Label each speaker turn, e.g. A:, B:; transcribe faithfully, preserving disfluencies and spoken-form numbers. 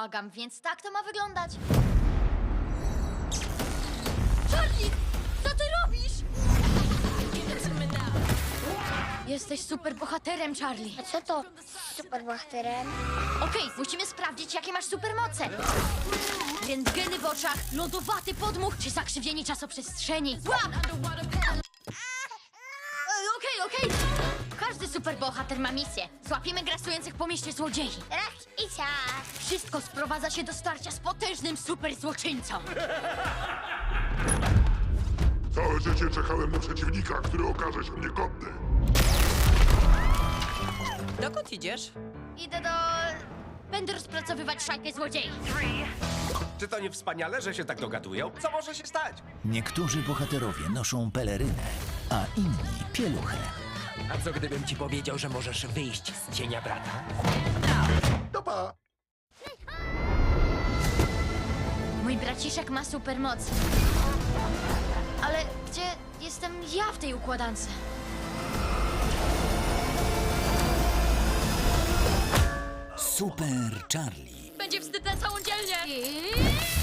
A: błagam, więc tak to ma wyglądać. Charlie, co ty robisz? Jesteś super bohaterem, Charlie.
B: A co to z superbohaterem?
A: Okej, musimy sprawdzić, jakie masz supermoce. Rentgeny w oczach, lodowaty podmuch czy zakrzywienie czasoprzestrzeni. Łap! E, Okej, okej. Każdy superbohater ma misję. Złapiemy grasujących po mieście złodziei.
B: Raz i ciach.
A: Wszystko sprowadza się do starcia z potężnym superzłoczyńcą.
C: Całe życie czekałem na przeciwnika, który okaże się mnie godny.
D: Dokąd idziesz?
A: Idę do... Będę rozpracowywać szajkę złodziei.
E: Czy to nie wspaniale, że się tak dogadują? Co może się stać?
F: Niektórzy bohaterowie noszą pelerynę, a inni pieluchę.
D: A co gdybym ci powiedział, że możesz wyjść z cienia brata?
C: Dopa!
A: Mój braciszek ma supermoc. Ale gdzie jestem ja w tej układance?
F: Super Charlie.
A: Będzie wstyd na całą dzielnię. I...